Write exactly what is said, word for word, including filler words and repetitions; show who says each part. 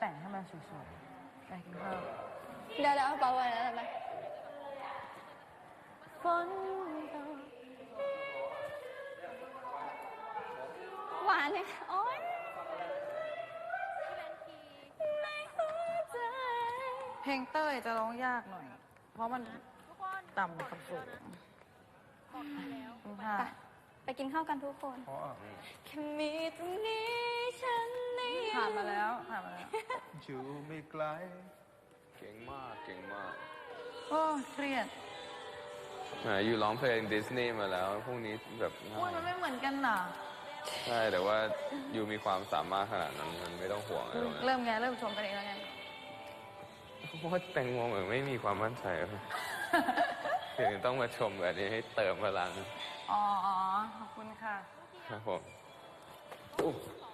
Speaker 1: แต่งให้มันสวยๆไปกินข้าว
Speaker 2: เดี๋ยวเดี๋ยวเบาไว้แล้วทำไมฝนตกหวานเลยโอ๊ยในหัวใจ
Speaker 1: เพลงเต้ยจะร้องยากหน่อย เพราะมันต่ำกับสูงค่ะ
Speaker 2: ไปกินข้าวกันทุกคน
Speaker 3: เพราะอ่ะ
Speaker 2: แค่มีตรงนี้ฉันนี่
Speaker 1: ผ่านมาแล้วผ่านมาแล้ว
Speaker 3: อยู่ไม่ไกล
Speaker 4: เก่งมากเก่งมาก
Speaker 1: โอ้เครียด
Speaker 4: แหมอยู่ร้องเพลงดิสนีย์มาแล้วพวกนี้แบบง่า
Speaker 1: โอ้ย
Speaker 4: ย
Speaker 1: มันไม่เหมือนกันน่ะ
Speaker 4: ใช่แต่ว่าอยู่มีความสามารถขนาดนั้นมันไม่ต้องห่วงอะไรตรงนั้น
Speaker 1: เริ่มไงเริ่มชมกันเองแล้วไง
Speaker 4: เพราะว่าแตงโมเหมือนไม่มีความมั่นใจเลยถึงต้องมาชมแบบนี้ให้เติมพลัง
Speaker 1: อ๋อ ขอบคุณค่ะ
Speaker 4: ครับผมอู้